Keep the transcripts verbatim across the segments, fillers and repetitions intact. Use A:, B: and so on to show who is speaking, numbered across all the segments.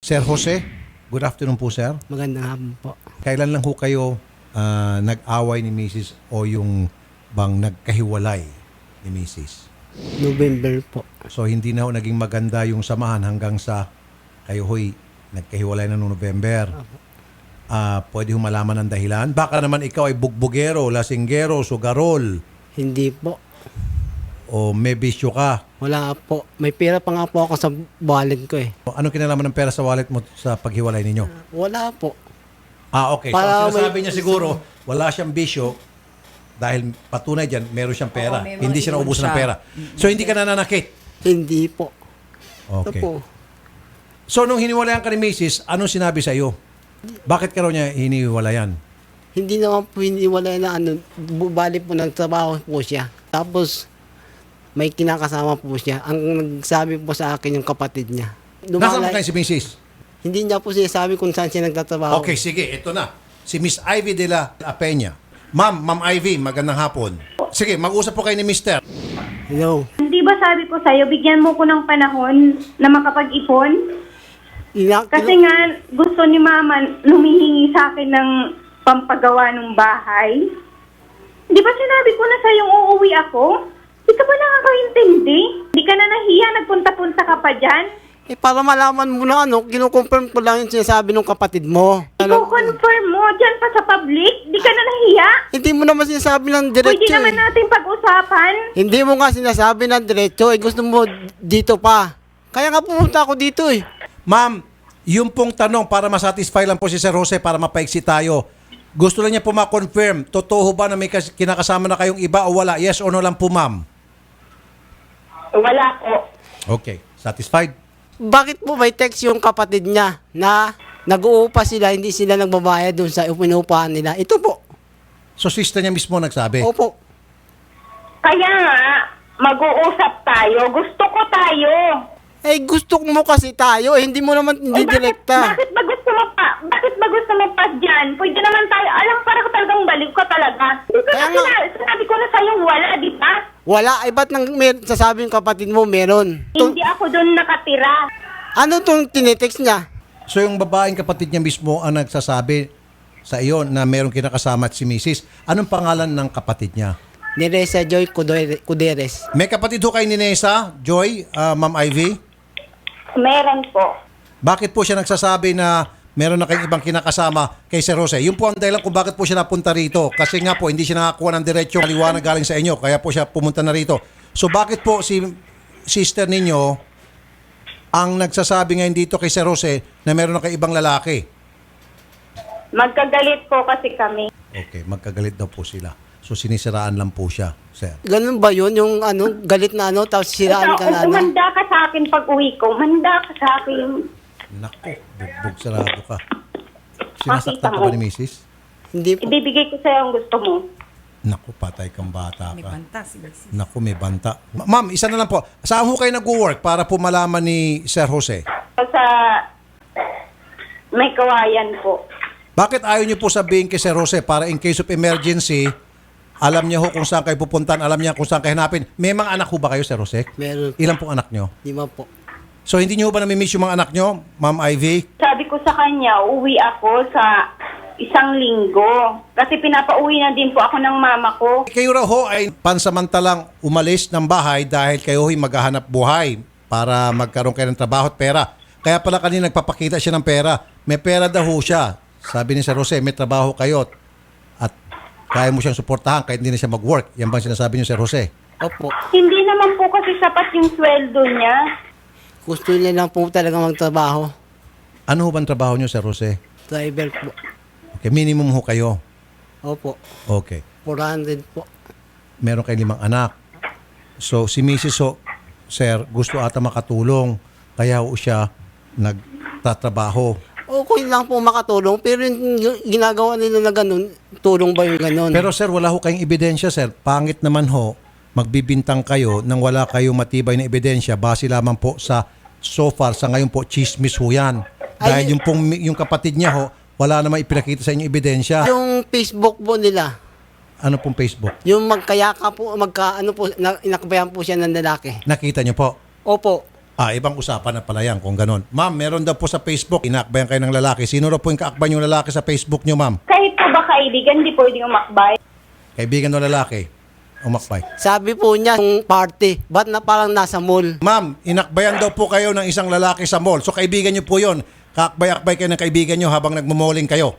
A: Sir Jose, good afternoon po, sir.
B: Magandang hapon po.
A: Kailan lang ho kayo ah, nag-away ni Missus o yung bang nagkahiwalay ni Missus?
B: November po.
A: So hindi na ho naging maganda yung samahan hanggang sa kayo ho'y nagkahiwalay na noong November. Ah, pwede ho malaman ang dahilan? Baka naman ikaw ay bugbugero, lasinggero, sugarol,
B: Hindi po.
A: o may bisyo ka.
B: Wala po. May pera pa nga po ako sa wallet ko eh.
A: Ano kinalaman ng pera sa wallet mo sa paghiwalay ninyo?
B: Wala po.
A: Ah, okay. So,
B: Para
A: ang sinasabi
B: may-
A: niya siguro, wala siyang bisyo dahil patunay dyan, meron siyang pera.
C: Oo, may
A: Hindi
C: mga
A: siya naubusan ng
C: siya.
A: pera. So, hindi ka nananakit.
B: Hindi po. Ito
A: Okay.
B: po.
A: So, nung hiniwalayan ka ni Missus, anong sinabi sa iyo? Bakit ka raw niya hiniwalayan?
B: Hindi naman po hiniwalay na ano. Bubali po nagtrabaho po siya. Tapos may kinakasama po siya. Ang nagsabi po sa akin yung kapatid niya.
A: Nasaan mo
B: Lumalay-
A: kayo si Missus?
B: Hindi niya po siya sabi kung saan siya nagtatrabaho.
A: Okay, sige. Ito na. Si Miss Ivy de la Peña. Ma'am, Ma'am Ivy, magandang hapon. Sige, mag-usap po kayo ni Mister.
B: Hello.
D: Hindi ba sabi ko sa'yo, bigyan mo ko ng panahon na makapag-ipon?
B: Ina-
D: Kasi nga, gusto ni Mama lumihingi sa akin ng pampagawa ng bahay. Di ba sinabi ko na sa'yong uuwi ako? Di ka ba nakakaintindi? Di ka na nahiya, nagpunta-punta ka pa dyan?
B: Eh, para malaman mo na ano, kinukonfirm ko lang yung sinasabi ng kapatid mo. Ano,
D: I-confirm mo dyan pa sa public? Di ka na nahiya?
B: hindi mo naman sinasabi ng
D: Pwede
B: diretso
D: naman
B: eh.
D: natin pag-usapan.
B: Hindi mo nga sinasabi ng diretso eh. Gusto mo dito pa. Kaya nga pumunta ako dito eh.
A: Ma'am, yung pong tanong para masatisfy lang po si Sir Jose para mapaiksi tayo. Gusto lang niya po ma-confirm, totoo ba na may kas- kinakasama na kayong iba o wala? Yes or no lang po, ma'am?
D: Wala po.
A: Okay. Satisfied?
B: Bakit po may text yung kapatid niya na nag-uupa sila, hindi sila nagbabayad dun sa pinuupahan nila? Ito po.
A: So, sister niya mismo nagsabi?
B: Opo.
D: Kaya nga, mag-uusap tayo. Gusto ko tayo.
B: Eh, gusto mo kasi tayo. Eh, hindi mo naman hindi
D: Eh, bakit,
B: direkta.
D: bakit ba gusto mo pa? Bakit ba gusto mo pa dyan? Pwede naman tayo. Alam, para ko talagang balik ka talaga.
B: Kaya
D: Kasi
B: nga-
D: na, sinabi ko na sa'yo, wala, di ba?
B: Wala. Eh, ba't nang mer- sasabi yung kapatid mo meron? Tung-
D: Hindi ako doon nakatira.
B: ano tong tinitext niya?
A: So, yung babaeng kapatid niya mismo ang nagsasabi sa iyo na merong kinakasama at si Missus Anong pangalan ng kapatid niya?
B: Neresa Joy Cudere- Cuderes.
A: May kapatid ho kay ni Nessa, Joy, ah, Ma'am Ivy?
D: Meron po.
A: Bakit po siya nagsasabi na meron na kayong ibang kinakasama kay Sir Jose? Yun po ang dahilan kung bakit po siya napunta rito. Kasi nga po, hindi siya nakakuha ng diretsyo kaliwanag galing sa inyo. Kaya po siya pumunta na rito. So bakit po si sister ninyo ang nagsasabi ngayon dito kay Sir Jose na meron na kayong ibang lalaki?
D: Magkagalit po kasi kami.
A: Okay, magkagalit daw po sila. So sinisiraan lang po siya, sir.
B: Ganun ba yun? Yung ano, galit na ano, tapos siraan ka na ano?
D: Umanda ka sa akin pag uwi ko. Manda ka sa akin.
A: Naku, bugbog sarado ka. Sinasaktan ka ba ni Missus?
B: Hindi po.
D: Ibibigay ko sa'yo ang gusto mo.
A: Naku, patay kang bata
C: May
A: ka.
C: banta si Missus
A: Naku, may banta. Ma- Ma'am, isa na lang po. Saan ho kayo nag-work para po malaman ni Sir Jose?
D: Sa may kawayan po.
A: Bakit ayaw niyo po sabihin kay Sir Jose para in case of emergency, alam niya ho kung saan kayo pupuntan, alam niya kung saan kayo hanapin. May mga anak ho ba kayo, Sir Jose?
B: Meron.
A: Ilan pong anak niyo?
B: Lima po.
A: So, hindi niyo ho ba namimiss yung mga anak niyo, Ma'am Ivy?
D: Sabi ko sa kanya, uwi ako sa isang linggo. Kasi pinapauwi na din po ako ng mama ko.
A: Kayo raw ho ay pansamantalang umalis ng bahay dahil kayo ho'y maghahanap buhay para magkaroon kayo ng trabaho at pera. Kaya pala kanina nagpapakita siya ng pera. May pera daw ho siya. Sabi ni Sir Jose, may trabaho kayo at kaya mo siyang suportahan kahit hindi na siya mag-work. Yan bang sinasabi niyo, Sir Jose?
B: Opo.
D: Hindi naman po kasi sapat yung sweldo niya.
B: Gusto niya lang po talaga magtrabaho.
A: Ano ho bang trabaho niyo, Sir Jose?
B: Driver po.
A: Okay, minimum ho kayo.
B: Opo.
A: Okay.
B: four hundred po.
A: Meron kayong limang anak. So, si Missus ho, Sir, gusto ata makatulong. Kaya ho siya nagtatrabaho.
B: Okay lang po makatulong, pero yung ginagawa nila na ganun, tulong ba yung ganun?
A: Pero sir, wala ho kayong ebidensya, sir. Pangit naman ho, magbibintang kayo nang wala kayong matibay na ebidensya base lamang po sa so far, sa ngayon po, chismis ho yan. Dahil
B: Ay-
A: yung, pong, yung kapatid niya ho, wala namang ipinakita sa inyo ebidensya.
B: Yung Facebook po nila,
A: Ano pong Facebook?
B: yung magkayaka po, magka, ano po, na, inakbayan po siya ng lalaki.
A: Nakita niyo po?
B: Opo.
A: Ah, ibang usapan na pala yan kung ganon. Ma'am, meron daw po sa Facebook, inaakbayan kayo ng lalaki. Sino raw po yung kaakbayan yung lalaki sa Facebook nyo, ma'am?
D: Kahit po ba kaibigan, di pwedeng umakbay.
A: Kaibigan ng lalaki. Umakbay.
B: Sabi po niya, yung party, ba't na parang nasa mall?
A: Ma'am, inakbayan daw po kayo ng isang lalaki sa mall. So kaibigan nyo po yun. Kaakbay-akbay kayo ng kaibigan nyo habang nagmumoling kayo.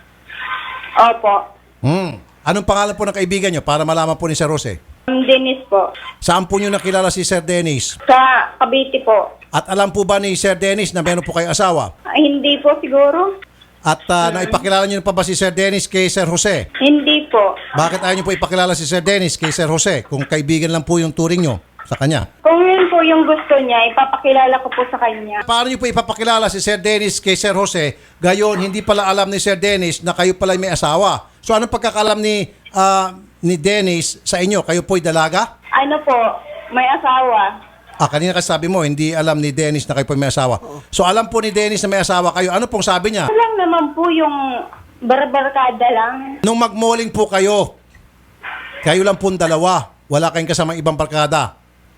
D: Opo.
A: Hmm. Anong pangalan po ng kaibigan nyo para malaman po ni Sir Jose?
D: Um, Dennis po.
A: Saan po nyo nakilala si Sir Dennis?
D: Sa Cavite po.
A: At alam po ba ni Sir Dennis na meron po kayo asawa?
D: Ay, hindi po siguro.
A: At uh, naipakilala nyo na pa ba si Sir Dennis kay Sir Jose?
D: Hindi po.
A: Bakit ayaw nyo po ipakilala si Sir Dennis kay Sir Jose kung kaibigan lang po yung turing nyo sa kanya?
D: Kung yun po yung gusto niya, ipapakilala ko po sa kanya.
A: Paano nyo po ipapakilala si Sir Dennis kay Sir Jose? Gayon, hindi pala alam ni Sir Dennis na kayo pala may asawa. So anong pagkakalam ni ah, ni Dennis sa inyo? Kayo po'y dalaga?
D: Ano po, may asawa.
A: Ah, kanina kasi sabi mo, hindi alam ni Dennis na kayo po'y may asawa. So alam po ni Dennis na may asawa kayo. Ano pong sabi niya?
D: Ito lang naman po yung barbarkada lang.
A: Nung magmoling po kayo, kayo lang pong dalawa. Wala kayong kasamang ibang barkada.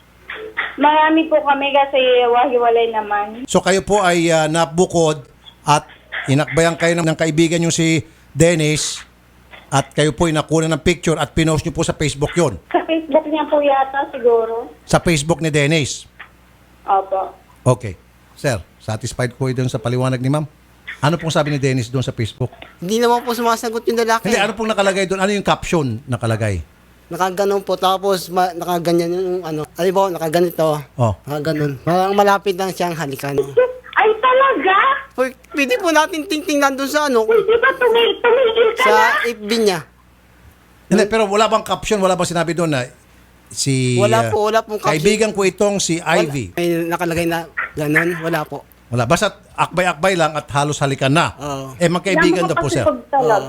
D: Marami po kami kasi wahiwalay naman.
A: So kayo po ay ah, nabukod at inakbayan kayo ng, ng kaibigan nyo si Dennis at kayo po ay nakuha ng picture at pinost nyo po sa Facebook yon.
D: Sa Facebook niya po yata siguro.
A: Sa Facebook ni Dennis.
D: Opo.
A: Okay. Sir, satisfied po doon sa paliwanag ni ma'am? Ano pong sabi ni Dennis doon sa Facebook?
B: Hindi naman po sumasagot yung lalaki.
A: Hindi, ano pong nakalagay doon? Ano yung caption nakalagay?
B: Nakaganon po, tapos ma- nakaganyan yung ano. Ano ba, nakaganito.
A: Oh.
B: Nakaganon. Parang malapit lang siyang halikan.
D: Ay talaga?
B: P- pwede po natin tingtingnan doon sa ano,
D: Pwede ba tumil tumigil ka
B: sa
D: na?
B: F B niya.
A: Hindi, pero wala bang caption? Wala bang sinabi doon na si...
B: Wala
A: uh,
B: po, wala pong caption.
A: Kaibigan ko itong si Ivy.
B: Wala, may nakalagay na ganon, wala po.
A: Wala. Basta akbay-akbay lang at halos halikan na.
B: Oo.
A: Eh, magkaibigan daw po, sir.
D: Napakasipag talaga.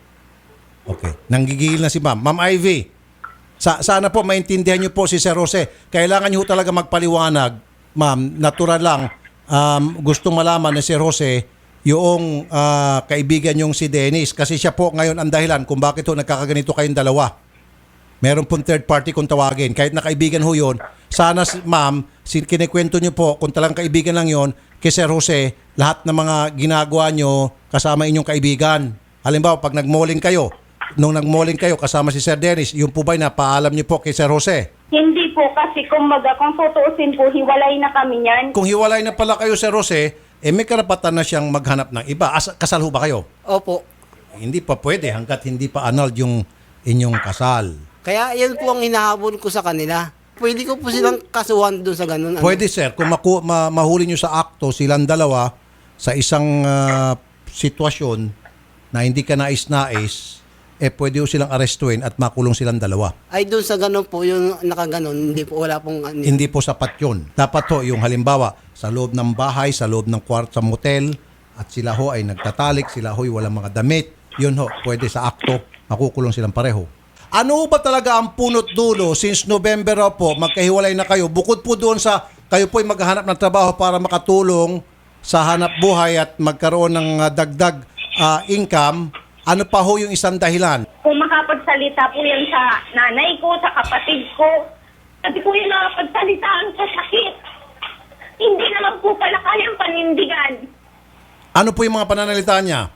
A: Okay. Nanggigil na si ma'am. Ma'am Ivy, sa, sana po maintindihan niyo po si Sir Jose. Kailangan niyo talaga magpaliwanag. Ma'am, natural lang. Um, gustong malaman ni Sir Jose yung ah, kaibigan yung si Dennis. Kasi siya po ngayon ang dahilan kung bakit ho nagkakaganito kayong dalawa. Meron pong third party kung tawagin. Kahit na kaibigan ho yun, sana si- ma'am, sin- kinikwento niyo po kung talagang kaibigan lang yon kay Sir Jose, lahat ng mga ginagawa niyo kasama inyong kaibigan. Halimbawa, pag nagmoling kayo, nung nagmoling kayo kasama si Sir Dennis, yung po ba'y napaalam niyo po kay Sir Jose?
D: Hindi po kasi kumbaga kung tutuusin po, hiwalay na kami niyan.
A: Kung hiwalay na pala kayo, Sir Jose, eh may karapatan na siyang maghanap ng iba. As- kasal ho ba kayo?
B: Opo.
A: Hindi pa pwede hanggat hindi pa annulled yung inyong kasal.
B: Kaya yan po ang hinahabol ko sa kanila. Pwede ko po silang kasuhan doon sa ganun. ano.
A: Pwede, sir, kung maku- ma- mahuli nyo sa akto silang dalawa sa isang ah, sitwasyon na hindi ka nais-nais, eh pwede ho silang arestuin at makulong silang dalawa.
B: Ay doon sa ganun po, yung nakaganon, hindi po, wala pong ano.
A: Hindi po sapat yun. Dapat ho, yung halimbawa, sa loob ng bahay, sa loob ng kwarto sa motel, at sila ho ay nagtatalik, sila ho ay walang mga damit, yun ho, pwede sa akto, makukulong silang pareho. Ano ba talaga ang punot dulo since November raw po, magkahiwalay na kayo, bukod po doon sa kayo po ay maghahanap ng trabaho para makatulong sa hanap buhay at magkaroon ng ah, dagdag ah, income, ano pa ho yung isang dahilan?
D: Kung makapagsalita po yan sa nanay ko, sa kapatid ko, sabi ko yung nakapagsalita sa sakit. Hindi naman po pala kayang panindigan.
A: Ano po yung mga pananalita niya?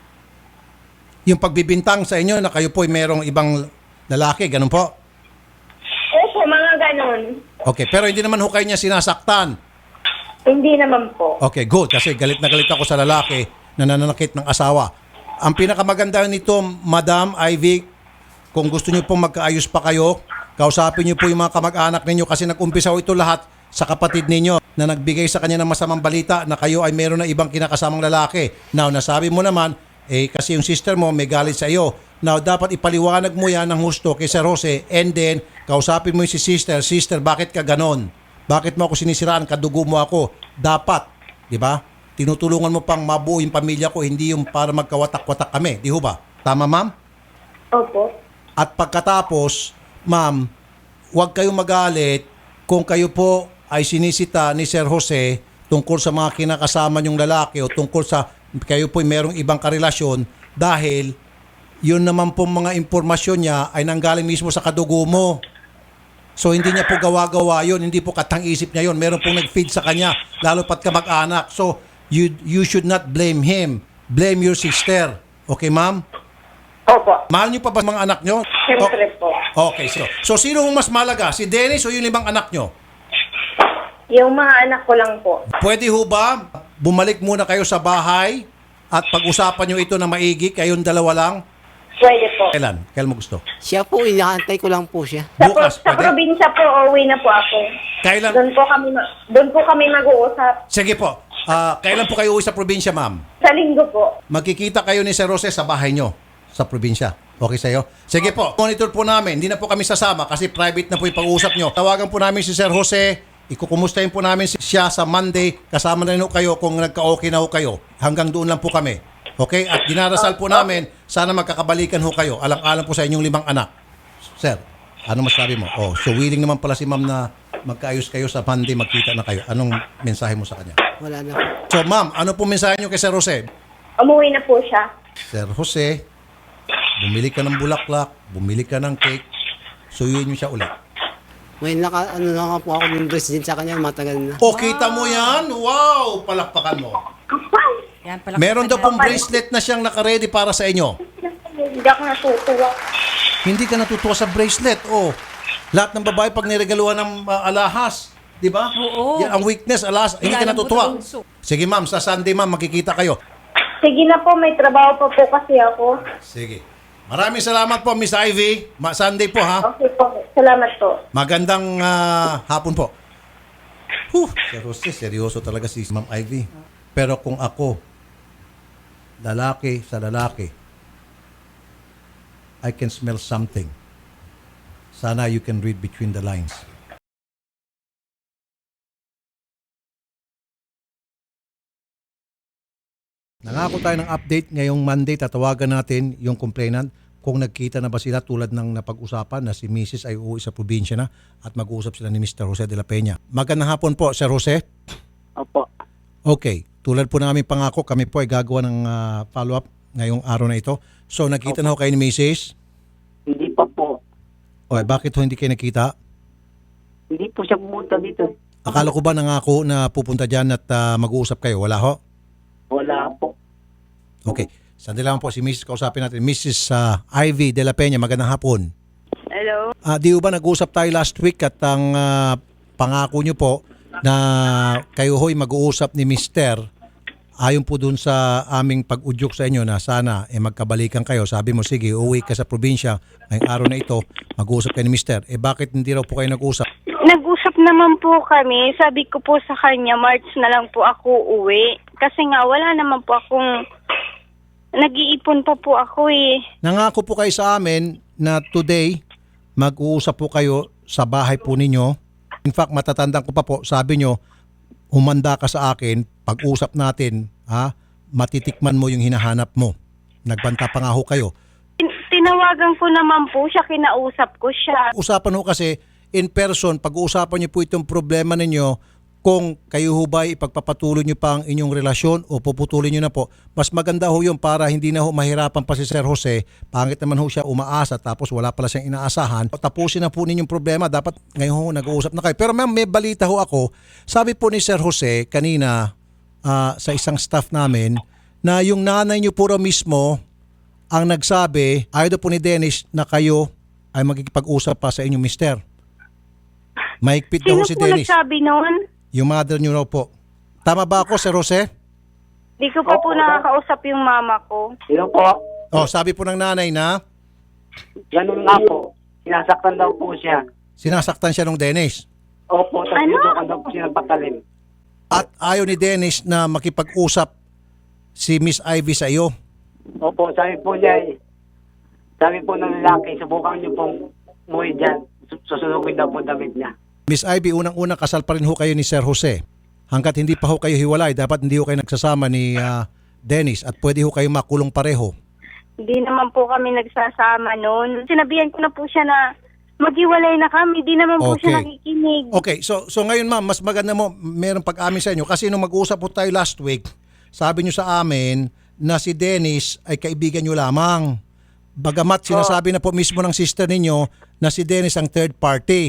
A: Yung pagbibintang sa inyo na kayo po ay merong ibang lalaki, ganun po?
D: Opo, mga ganon.
A: Okay, pero hindi naman ho kayo niya sinasaktan.
D: Hindi naman po.
A: Okay, good. Kasi galit na galit ako sa lalaki na nananakit ng asawa. Ang pinakamaganda nito, Madam Ivy, kung gusto niyo pong magkaayos pa kayo, kausapin niyo po yung mga kamag-anak ninyo kasi nag-umpisa ho ito lahat sa kapatid ninyo na nagbigay sa kanya ng masamang balita na kayo ay meron na ibang kinakasamang lalaki. Now, nasabi mo naman, eh kasi yung sister mo may galit sa iyo. Now, dapat ipaliwanag mo yan ng husto kay Sir Jose and then, kausapin mo yung si sister, sister, bakit ka ganon? Bakit mo ako sinisiraan? Kadugo mo ako. Dapat, di ba? Tinutulungan mo pang mabuo yung pamilya ko, hindi yung para magkawatak-watak kami. Di ho ba? Tama, ma'am?
D: Opo.
A: At pagkatapos, ma'am, huwag kayong magalit kung kayo po ay sinisita ni Sir Jose tungkol sa mga kinakasama niyong lalaki o tungkol sa kayo po ay merong ibang karelasyon dahil yun naman po mga impormasyon niya ay nanggaling mismo sa kadugo mo. So hindi niya po gawa-gawa yun, hindi po katang-isip niya yun. Meron pong nag-feed sa kanya, lalo pat kamag-anak. So you you should not blame him. Blame your sister. Okay, ma'am?
D: Opo.
A: Mahal niyo pa ba mga anak niyo?
D: Siyempre po.
A: O- okay, so, so sino ang mas malaga? Si Dennis o yung limang anak niyo?
D: Yung mga anak ko lang po.
A: Pwede ho ba bumalik muna kayo sa bahay at pag-usapan niyo ito na maigi, kayong dalawa lang?
D: Pwede po.
A: Kailan? Kailan mo gusto?
B: Siya po, inaantay ko lang po siya.
D: Sa,
A: Bukas,
D: sa
A: pwede?
D: probinsya po, uuwi na po ako.
A: Kailan?
D: Doon po kami, ma- doon po kami mag-uusap.
A: Sige po. Ah, kailan po kayo uwi sa probinsya, ma'am?
D: Sa linggo po.
A: Magkikita kayo ni Sir Jose sa bahay nyo sa probinsya. Okay sa'yo? Sige po. Monitor po namin. Hindi na po kami sasama kasi private na po yung pag-uusap nyo. Tawagan po namin si Sir Jose. Ikukumustahin po namin siya sa Monday. Kasama na rin ho kayo kung nagka-okay na ho kayo. Hanggang doon lang po kami. Okay? At dinarasal po namin, sana magkakabalikan ho kayo. Alang-alang po sa inyong limang anak. Sir, ano masabi mo? Oh, so willing naman pala si ma'am na magkaayos kayo sa Monday, magkita na kayo. Anong mensahe mo sa kanya?
B: Wala na po.
A: So ma'am, ano po mensahe nyo kay Sir Jose?
D: Umuwi na po siya.
A: Sir Jose, bumili ka ng bulaklak, bumili ka ng cake, suyuin nyo siya ulit.
B: May naka, ano na nga po ako ng president sa kanya, matagal na.
A: O, kita mo yan? Wow! Palakpakan mo.
D: Kapal!
C: Yan, palakpakan
A: Meron daw
C: niya.
A: pong bracelet na siyang nakaredy para sa inyo.
D: Hindi ako natutuwa.
A: Hindi ka natutuwa sa bracelet. Oh, lahat ng babae pag niregaluhan ng uh, alahas, di ba?
C: Oo.
A: Yan ang weakness, alahas. Hindi ka
C: Nilalambot
A: natutuwa.
C: ang uso.
A: Sige ma'am, sa Sunday ma'am, makikita kayo.
D: Sige na po, may trabaho pa po kasi ako.
A: Sige. Maraming salamat po, Miss Ivy. Ma Sunday po, ha?
D: Okay po. Salamat po.
A: Magandang ah, hapon po. Huh, Sir Jose, seryoso talaga si Ma'am Ivy. Pero kung ako, lalaki sa lalaki, I can smell something. Sana you can read between the lines. Nangako tayo ng update ngayong Monday. Tatawagan natin yung complainant kung nagkita na ba sila tulad ng napag-usapan na si Missus ay uuwi sa probinsya na at mag-uusap sila ni Mister Jose de la Peña. Magandang hapon po, Sir Jose.
B: Opo.
A: Okay, tulad po namin pangako, kami po ay gagawa ng ah, follow-up ngayong araw na ito. So, nakita na ho kayo ni Missus
B: Hindi pa po.
A: O, eh, bakit ho hindi kayo nakita?
B: Hindi po siya pumunta dito.
A: Akala ko ba nangako na pupunta dyan at ah, mag-uusap kayo? Wala ho?
B: Wala po.
A: Okay. Sandali lang po si Missus Kausapin natin. Missus ah, Ivy de la Peña, magandang hapon.
D: Hello?
A: Ah, di ba nag-usap tayo last week at ang ah, pangako nyo po na kayo ho'y mag-uusap ni Mister ayon po dun sa aming pag-udyok sa inyo na sana eh, magkabalikan kayo. Sabi mo, sige, uwi ka sa probinsya ngayong araw na ito, mag-uusap kayo ni Mister. Eh bakit hindi raw po kayo nag-usap?
E: Nag-usap naman po kami. Sabi ko po sa kanya, March na lang po ako uwi. Kasi nga, wala naman po akong... Nag-iipon pa po ako eh.
A: Nangako po kayo sa amin na today, mag-uusap po kayo sa bahay po ninyo. In fact, matatandaan ko pa po, sabi nyo, humanda ka sa akin, pag-usap natin, ha, matitikman mo yung hinahanap mo. Nagbanta pa nga ho kayo.
E: Tin- Tinawagan ko naman po siya, kinausap ko siya.
A: Usapan ho kasi in person, pag-uusapan niyo po itong problema ninyo, kung kayo ho ba ipagpapatuloy niyo pa ang inyong relasyon o puputulin niyo na po, mas maganda ho yun para hindi na ho mahirapan pa si Sir Jose. Pangit naman ho siya umaasa tapos wala pala siyang inaasahan. Tapusin na po ninyong problema. Dapat ngayon ho nag-uusap na kayo. Pero ma'am, may balita ho ako. Sabi po ni Sir Jose kanina ah, sa isang staff namin na yung nanay niyo po raw mismo ang nagsabi, ayaw daw po ni Dennis na kayo ay magkikipag-usap pa sa inyong mister. Mahigpit daw
E: Sino
A: ho si
E: po
A: Dennis.
E: nagsabi noon?
A: Yung mother niyo raw po. Tama ba ako, Sir Jose?
E: Di ko pa po nakakausap yung mama ko.
B: Sino po?
A: Oh, sabi po ng nanay na
B: Ganun nga po. Sinasaktan daw po siya.
A: sinasaktan siya ng Dennis.
B: Opo, tapos
E: Ano?
B: ano? daw po siya ng patalim.
A: At ayaw ni Dennis na makipag-usap si Miss Ivy sa iyo.
B: Opo, sabi po niya eh. Sabi po ng lalaki, subukan niyo pong umuwi dyan. Sus- Susunugin daw po damit niya.
A: Miss Ivy, unang-unang kasal pa rin ho kayo ni Sir Jose. Hanggat hindi pa ho kayo hiwalay, dapat hindi ho kayo nagsasama ni ah, Dennis at pwede ho kayo makulong pareho.
E: Hindi naman po kami nagsasama noon. Sinabihan ko na po siya na maghiwalay na kami. Di naman po
A: Okay.
E: siya nakikinig.
A: Okay, so so ngayon ma'am, mas maganda mo merong pag-amin sa inyo kasi nung mag-usap po tayo last week, sabi niyo sa amin na si Dennis ay kaibigan niyo lamang. Bagamat sinasabi na po mismo ng sister ninyo na si Dennis ang third party.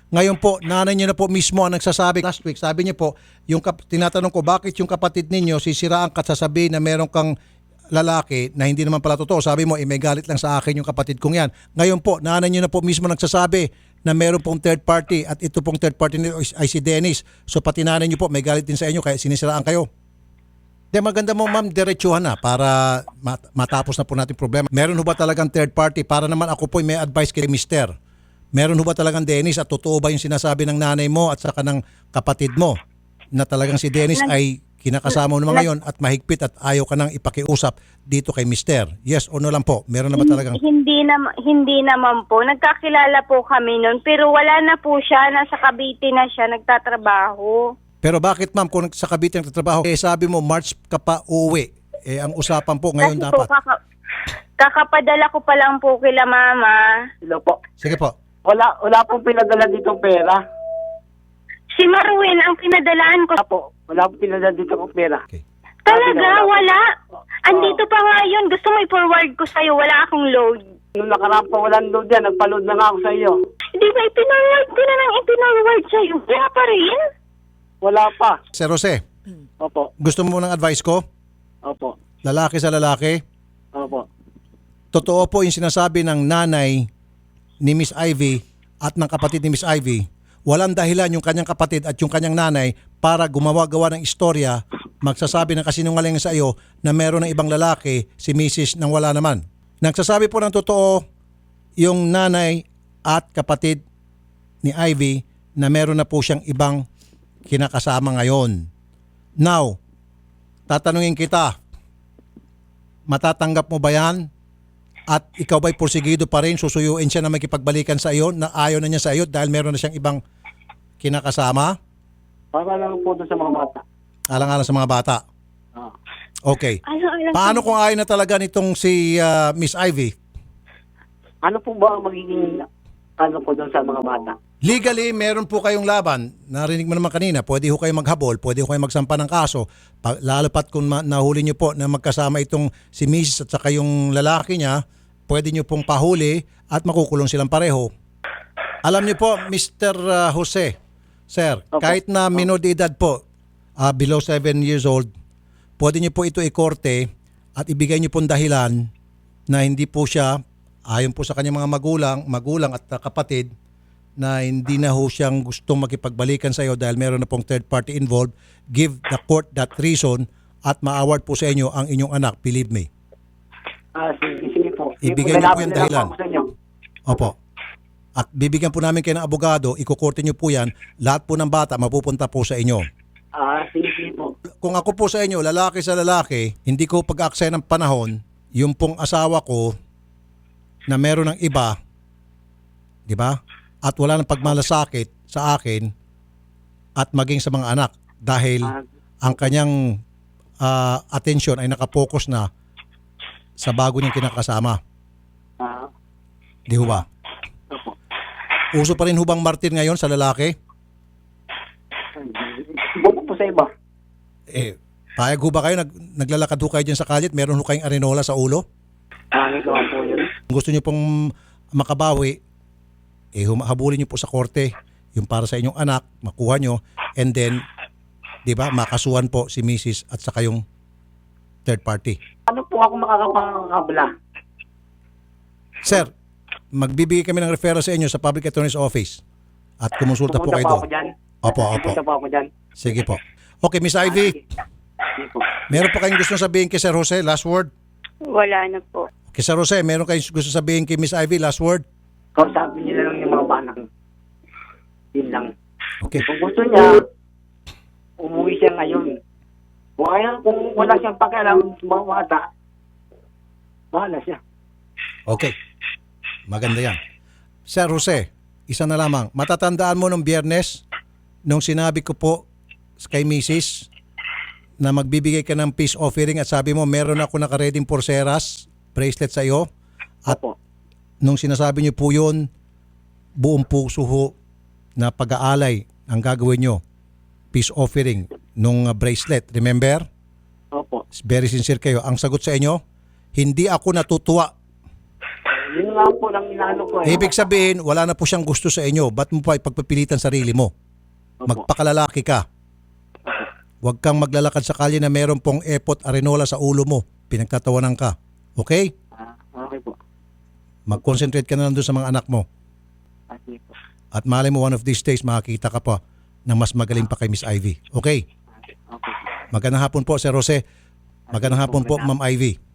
A: Ngayon po, nanay niyo na po mismo ang nagsasabi. Last week, sabi niyo po, yung kap- tinatanong ko, bakit yung kapatid ninyo sisiraan ka at sasabihin na meron kang lalaki na hindi naman pala totoo. Sabi mo, eh, may galit lang sa akin yung kapatid kong yan. Ngayon po, nanay niyo na po mismo nagsasabi na meron pong third party at ito pong third party nito ay si Dennis. So pati nanay niyo po, may galit din sa inyo kaya sinisiraan kayo. De maganda mo ma'am, diretsuhan na para mat- matapos na po natin problema. Meron ho ba talagang third party? Para naman ako po may advice kay mister. Meron ho ba talagang Dennis at totoo ba yung sinasabi ng nanay mo at saka ng kapatid mo na talagang si Dennis
E: Nag-
A: ay kinakasama mo naman ngayon at mahigpit at ayaw ka nang ipakiusap dito kay mister? Yes o no lang po? Meron na ba talagang...
E: Hindi na hindi naman po. Nagkakilala po kami noon pero wala na po siya. Nasa Cavite na siya nagtatrabaho.
A: Pero bakit ma'am kung sa Cavite nagtatrabaho, eh sabi mo March ka pa uwi. Eh ang usapan po ngayon
E: Kasi
A: dapat.
E: po kaka, kakapadala ko pa lang po kila mama.
C: Hello po.
A: Sige po.
C: Wala, wala pong pinadala dito pera.
E: Si Marwin ang pinadalaan ko.
C: Wala po. Wala pong pinadala dito ng pera.
A: Okay.
E: Talaga,
C: Sabi na
E: wala.
C: Oh.
E: Andito pa nga yun. Gusto mo i-forward ko sa'yo. Wala akong load.
C: Nung nakaraan pa walang load yan, nagpa-load na nga ako sa iyo.
E: Di ba ipinarward ko na nang ipinarward sa'yo? Wala pa rin.
C: Wala pa.
A: Sir Jose,
C: Opo.
A: gusto mo ng advice ko?
C: Opo.
A: Lalaki sa lalaki?
C: Opo.
A: Totoo po yung sinasabi ng nanay ni Miss Ivy at ng kapatid ni Miss Ivy. Walang dahilan yung kanyang kapatid at yung kanyang nanay para gumawa-gawa ng istorya, magsasabi ng kasinungalingan sa iyo na meron ng ibang lalaki si Missus nang wala naman. Nagsasabi po ng totoo yung nanay at kapatid ni Ivy na meron na po siyang ibang kinakasama ngayon. Now, tatanungin kita, matatanggap mo ba yan? At ikaw ba'y porsigido pa rin, susuyuin siya na makipagbalikan sa iyo, na ayaw na niya sa iyo dahil meron na siyang ibang kinakasama?
C: Para lang po doon sa mga bata.
A: Alang-alang sa mga bata.
C: Ah.
A: Okay.
E: Alam-alam
A: Paano kung ayaw na talaga nitong si ah, Miss Ivy?
C: Ano po ba ang magiging ano po doon sa mga bata?
A: Legally, meron po kayong laban. Narinig mo naman kanina, pwede ho kayong maghabol, pwede ho kayong magsampa ng kaso. Pag, lalo pat kung ma- nahuli nyo po na magkasama itong si Missus at saka yung lalaki niya, pwede nyo pong pahuli at makukulong silang pareho. Alam niyo po, mister uh, Jose, sir,
C: Opo.
A: kahit na minor de edad po, uh, below seven years old, pwede nyo po ito ikorte at ibigay nyo pong dahilan na hindi po siya, ayon po sa kanyang mga magulang, magulang at uh, kapatid, na hindi na ho siyang gustong makipagbalikan sa iyo dahil meron na pong third party involved, give the court that reason at ma-award po sa inyo ang inyong anak, believe me.
C: Ah, sige, sige po. Sige
A: Ibigay
C: po,
A: niyo po
C: lalaban
A: yung
C: na lang
A: dahilan.
C: po ako sa inyo.
A: Opo. At bibigyan po namin kayo ng abogado, ikukorte niyo po yan, lahat po ng bata mapupunta po sa inyo.
C: Ah, sige, sige po.
A: Kung ako po sa inyo, lalaki sa lalaki, hindi ko pag-aksaya ng panahon, yung pong asawa ko na meron ng iba, di ba? At wala ng pagmalasakit sa akin at maging sa mga anak dahil
C: Ah,
A: ang kanyang ah, atensyon ay nakapokus na sa bago niyang kinakasama.
C: ah,
A: Di ho ba?
C: opo.
A: Uso pa rin hubang martir ngayon sa lalaki?
C: Buko po sa iba.
A: Eh, payag ho ba kayo? Nag, naglalakad ho kayo dyan sa kalit? Meron ho kayong arenola sa ulo?
C: Pangit naman po yun.
A: Kung gusto niyo pong makabawi, eh hum- habulin niyo po sa korte yung para sa inyong anak, makuha niyo, and then, di ba, makasuhan po si Missus at saka yung third party.
C: Ano po ako makakapangabla?
A: Sir, magbibigay kami ng referral sa inyo sa Public Attorney's Office at kumonsulta po
C: Pupunta
A: kayo
C: pa
A: doon.
C: ako dyan.
A: Opo, opo.
C: Pupunta pa ako dyan.
A: Sige po. Okay, Miss Ivy,
C: Sige po.
A: meron pa kayong gusto sabihin kay Sir Jose? Last word?
E: Wala na po.
A: Okay, Sir Jose, meron kayong gusto sabihin kay Miss Ivy? Last word?
C: Kausapin niyo na lang yung mga banak. Yun lang.
A: Okay.
C: Kung gusto niya, umuwi siya ngayon. Kung ayaw, kung wala siyang pakialam sa mga bata, bahala siya.
A: Okay. Maganda yan. Sir Jose, isa na lamang. Matatandaan mo nung Biyernes, nung sinabi ko po kay Missus na magbibigay ka ng peace offering at sabi mo, meron ako nakareding porceras, bracelet sa iyo. At
C: Opo.
A: nung sinasabi niyo po yun, buong puso ho na pag-aalay ang gagawin nyo. Peace offering nung uh, bracelet. Remember?
C: Opo.
A: Very sincere kayo. Ang sagot sa inyo, hindi ako natutuwa.
C: Yun nga po lang inaano ko eh.
A: Ibig sabihin, wala na po siyang gusto sa inyo. Ba't mo pa ipagpipilitan sarili mo?
C: Opo.
A: Magpakalalaki ka. Huwag kang maglalakad sa kalye na meron pong epot arenola sa ulo mo. Pinagtatawanan ka. Okay?
C: Ah, okay po.
A: Mag-concentrate ka na lang doon sa mga anak mo.
C: Ah, sige po.
A: At malay mo one of these days makakita ka pa na mas magaling pa kay Miss Ivy. Okay?
C: Okay.
A: Magandang hapon po, Sir Jose. Magandang hapon po, Ma'am Ivy.